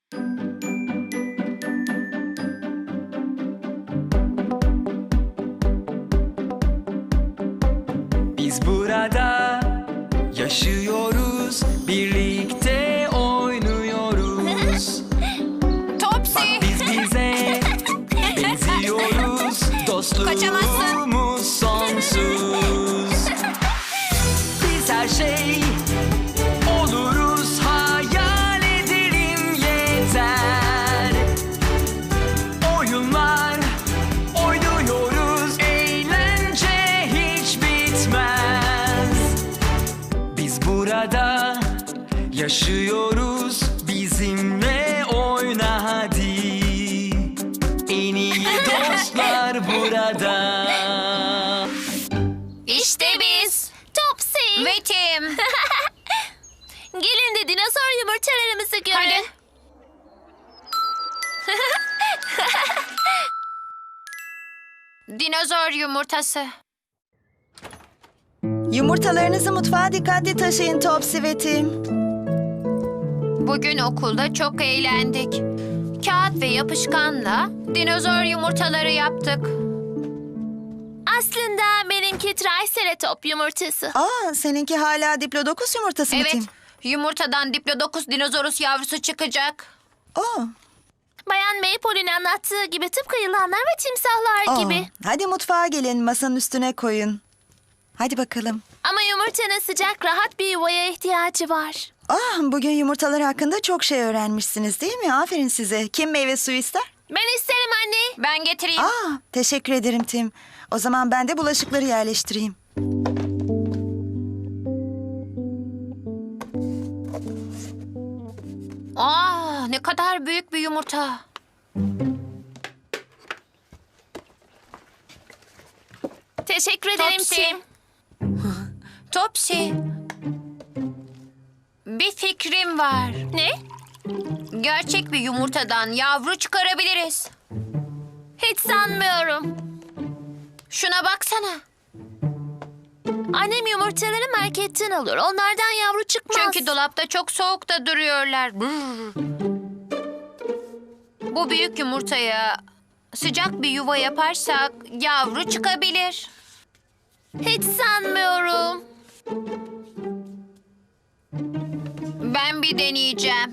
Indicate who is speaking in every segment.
Speaker 1: Biz burada yaşıyoruz, birlikte oynuyoruz.
Speaker 2: Topsy.
Speaker 1: Bak biz bize benziyoruz, dostluğumuz sonsuz. Biz her şey oluruz, hayal edelim yeter. Oyunlar oynuyoruz, eğlence hiç bitmez. Biz burada yaşıyoruz, bizimle oyna hadi. En iyi dostlar burada.
Speaker 2: İşte biz. Topsy. Ve Tim. Gelin de dinozor yumurtalarımızı görün. Dinozor yumurtası.
Speaker 3: Yumurtalarınızı mutfağa dikkatli taşıyın Topsy ve Tim.
Speaker 2: Bugün okulda çok eğlendik. Kağıt ve yapışkanla dinozor yumurtaları yaptık. Aslında benimki triceratop yumurtası.
Speaker 3: Seninki hala Diplodocus yumurtası mı
Speaker 2: Evet,
Speaker 3: Tim?
Speaker 2: yumurtadan Diplodocus dinozorus yavrusu çıkacak.
Speaker 4: Bayan Maypole'nin anlattığı gibi tıpkı yılanlar ve timsahlar gibi.
Speaker 3: Hadi mutfağa gelin, masanın üstüne koyun. Hadi bakalım.
Speaker 4: Ama yumurtanın sıcak, rahat bir yuvaya ihtiyacı var.
Speaker 3: Bugün yumurtalar hakkında çok şey öğrenmişsiniz değil mi? Aferin size. Kim meyve suyu ister?
Speaker 4: Ben isterim anne.
Speaker 2: Ben getireyim.
Speaker 3: Teşekkür ederim Tim. O zaman ben de bulaşıkları yerleştireyim.
Speaker 2: Ne kadar büyük bir yumurta.
Speaker 4: Teşekkür ederim
Speaker 2: Topsy.
Speaker 4: Tim.
Speaker 2: Topsy. Bir fikrim var.
Speaker 4: Ne?
Speaker 2: Gerçek bir yumurtadan yavru çıkarabiliriz.
Speaker 4: Hiç sanmıyorum.
Speaker 2: Şuna baksana.
Speaker 4: Annem yumurtaları marketten alır. Onlardan yavru çıkmaz.
Speaker 2: Çünkü dolapta çok soğukta duruyorlar. Brr. Bu büyük yumurtaya sıcak bir yuva yaparsak yavru çıkabilir.
Speaker 4: Hiç sanmıyorum.
Speaker 2: Ben bir deneyeceğim.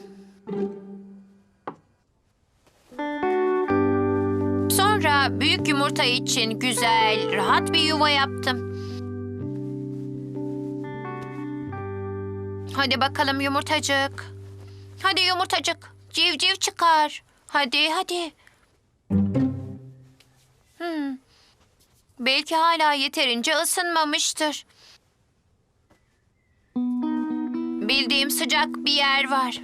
Speaker 2: Sonra büyük yumurta için güzel, rahat bir yuva yaptım. Hadi bakalım yumurtacık. Hadi yumurtacık. Civciv çıkar. Hadi. Belki hala yeterince ısınmamıştır. Bildiğim sıcak bir yer var.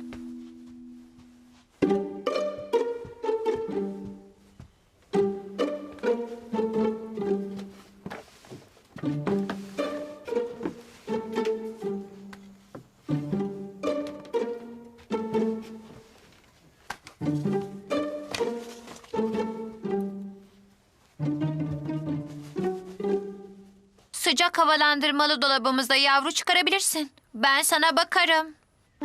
Speaker 2: Sıcak havalandırmalı dolabımızda yavru çıkarabilirsin. Ben sana bakarım.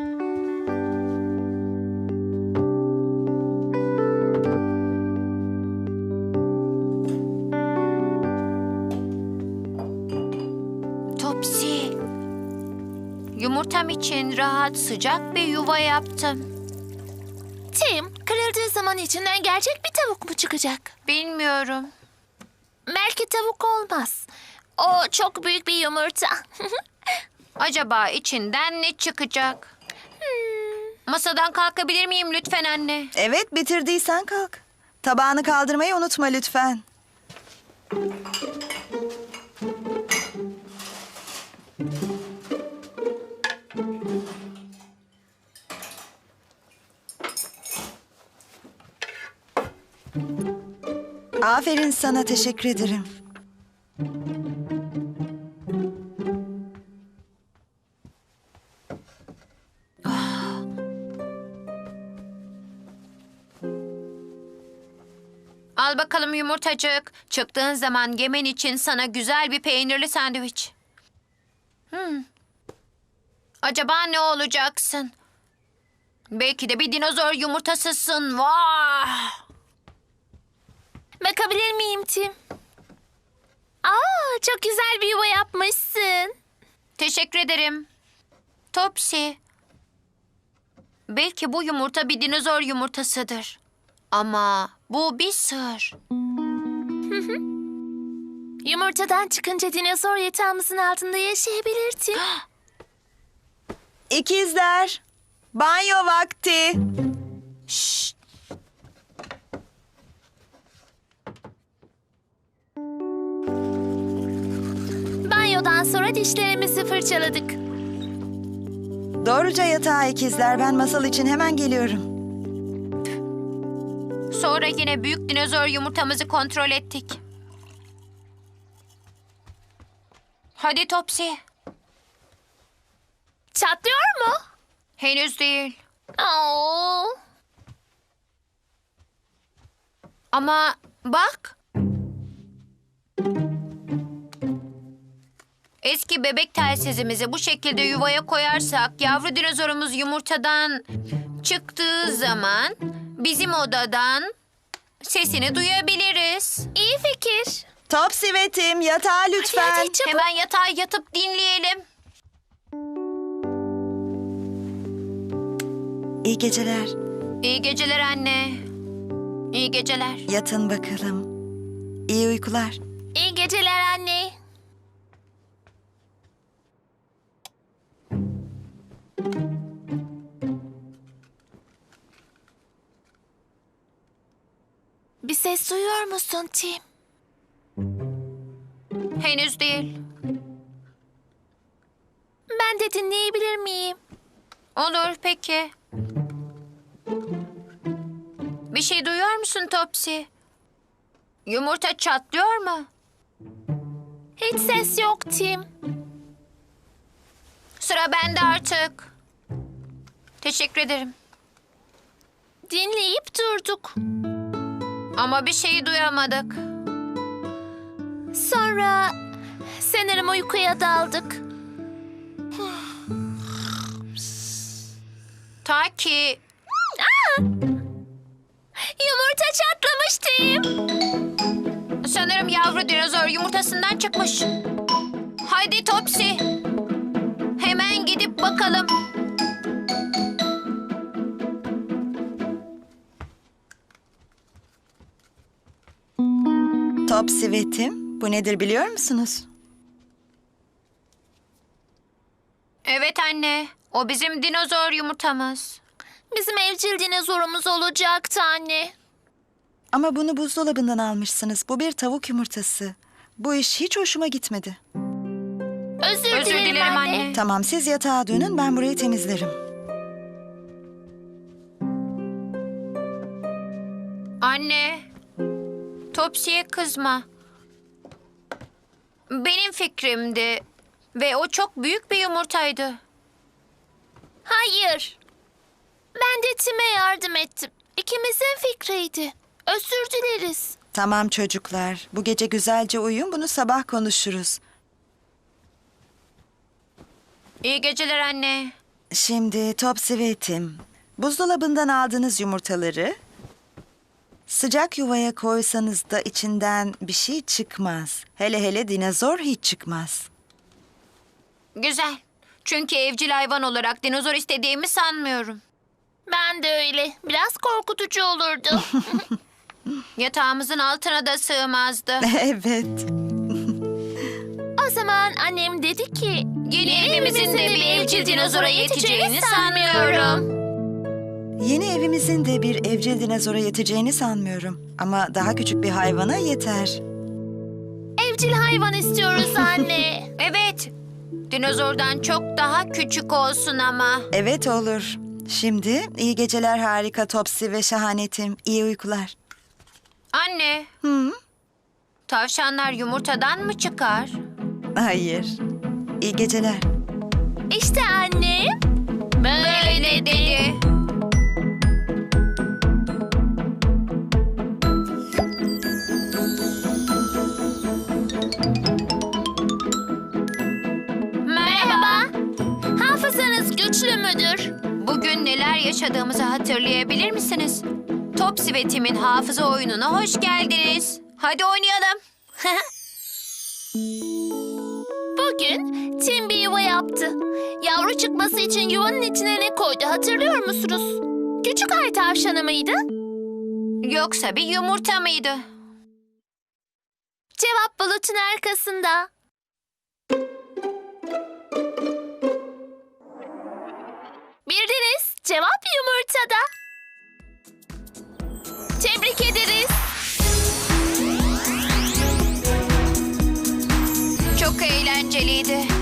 Speaker 2: Topsy. Yumurtam için rahat, sıcak bir yuva yaptım.
Speaker 4: Tim, kırıldığı zaman içinden gerçek bir tavuk mu çıkacak?
Speaker 2: Bilmiyorum.
Speaker 4: Belki tavuk olmaz. O çok büyük bir yumurta.
Speaker 2: Acaba içinden ne çıkacak? Masadan kalkabilir miyim lütfen anne?
Speaker 3: Evet, bitirdiysen kalk. Tabağını kaldırmayı unutma lütfen. Aferin sana, teşekkür ederim.
Speaker 2: Al bakalım yumurtacık. Çıktığın zaman yemen için sana güzel bir peynirli sandviç. Acaba ne olacaksın? Belki de bir dinozor yumurtasısın. Vah!
Speaker 4: Bakabilir miyim Tim? Aa, çok güzel bir yuva yapmışsın.
Speaker 2: Teşekkür ederim. Topsy. Belki bu yumurta bir dinozor yumurtasıdır. Ama bu bir sır.
Speaker 4: Yumurtadan çıkınca dinozor yatağımızın altında yaşayabilir Tim.
Speaker 3: İkizler, banyo vakti.
Speaker 2: Şşt!
Speaker 4: Banyodan sonra dişlerimizi fırçaladık.
Speaker 3: Doğruca yatağa ikizler. Ben masal için hemen geliyorum.
Speaker 2: Sonra yine büyük dinozor yumurtamızı kontrol ettik. Hadi Topsy.
Speaker 4: Çatlıyor mu?
Speaker 2: Henüz değil.
Speaker 4: Oo.
Speaker 2: Ama bak. Eski bebek telsizimizi bu şekilde yuvaya koyarsak yavru dinozorumuz yumurtadan çıktığı zaman bizim odadan sesini duyabiliriz.
Speaker 4: İyi fikir.
Speaker 3: Topsy ve Tim, yatağa lütfen.
Speaker 4: Hadi çabuk.
Speaker 2: Hemen yatağa yatıp dinleyelim.
Speaker 3: İyi geceler.
Speaker 2: İyi geceler anne. İyi geceler.
Speaker 3: Yatın bakalım. İyi uykular.
Speaker 4: İyi geceler anne. Bir ses duyuyor musun Tim?
Speaker 2: Henüz değil.
Speaker 4: Ben de dinleyebilir miyim?
Speaker 2: Olur peki. Bir şey duyuyor musun Topsy? Yumurta çatlıyor mu?
Speaker 4: Hiç ses yok Tim.
Speaker 2: Sıra bende artık. Teşekkür ederim.
Speaker 4: Dinleyip durduk.
Speaker 2: Ama bir şeyi duyamadık.
Speaker 4: Sonra sanırım uykuya daldık.
Speaker 2: Ta ki
Speaker 4: Yumurta çatlamış Tim.
Speaker 2: sanırım yavru dinozor yumurtasından çıkmış. Haydi Topsy. Hemen gidip bakalım.
Speaker 3: Topsy ve Tim, bu nedir biliyor musunuz?
Speaker 2: Evet anne. O bizim dinozor yumurtamız.
Speaker 4: Bizim evcil dinozorumuz olacaktı anne.
Speaker 3: Ama bunu buzdolabından almışsınız. Bu bir tavuk yumurtası. Bu iş hiç hoşuma gitmedi.
Speaker 4: Özür
Speaker 2: Özür dilerim anne.
Speaker 3: Tamam, siz yatağa dönün, ben burayı temizlerim.
Speaker 2: Anne. Topsy'ye kızma. Benim fikrimdi. Ve o çok büyük bir yumurtaydı.
Speaker 4: Hayır. Ben de Tim'e yardım ettim. İkimizin fikriydi. Özür dileriz.
Speaker 3: Tamam çocuklar, bu gece güzelce uyuyun, bunu sabah konuşuruz.
Speaker 2: İyi geceler anne.
Speaker 3: Şimdi Topsy ve Tim, buzdolabından aldığınız yumurtaları sıcak yuvaya koysanız da içinden bir şey çıkmaz. Hele hele dinozor hiç çıkmaz.
Speaker 2: Güzel. Çünkü evcil hayvan olarak dinozor istediğimi sanmıyorum.
Speaker 4: Ben de öyle. Biraz korkutucu olurdu.
Speaker 2: Yatağımızın altına da sığmazdı.
Speaker 3: Evet.
Speaker 4: O zaman annem dedi ki...
Speaker 2: Yeni evimizin de bir evcil dinozora yeteceğini sanmıyorum.
Speaker 3: Yeni evimizin de bir evcil dinozora yeteceğini sanmıyorum. Ama daha küçük bir hayvana yeter.
Speaker 4: Evcil hayvan istiyoruz anne.
Speaker 2: Evet. Dinozordan çok daha küçük olsun ama.
Speaker 3: Evet olur. Şimdi iyi geceler harika Topsy ve şahane Tim. İyi uykular.
Speaker 2: Anne,
Speaker 3: Hı?
Speaker 2: tavşanlar yumurtadan mı çıkar?
Speaker 3: Hayır. İyi geceler.
Speaker 4: İşte annem.
Speaker 2: Böyle dedi.
Speaker 4: Merhaba. Hafızanız güçlü müdür?
Speaker 2: Bugün neler yaşadığımızı hatırlayabilir misiniz? Topsy ve Tim'in hafıza oyununa hoş geldiniz. Hadi oynayalım.
Speaker 4: Bugün Tim bir yuva yaptı. Yavru çıkması için yuvanın içine ne koydu hatırlıyor musunuz? Küçük ay tavşanı mıydı?
Speaker 2: Yoksa bir yumurta mıydı?
Speaker 4: Cevap bulutun arkasında. Bildiniz. Cevap yumurtada. Tebrik ederiz.
Speaker 2: Çok eğlenceliydi.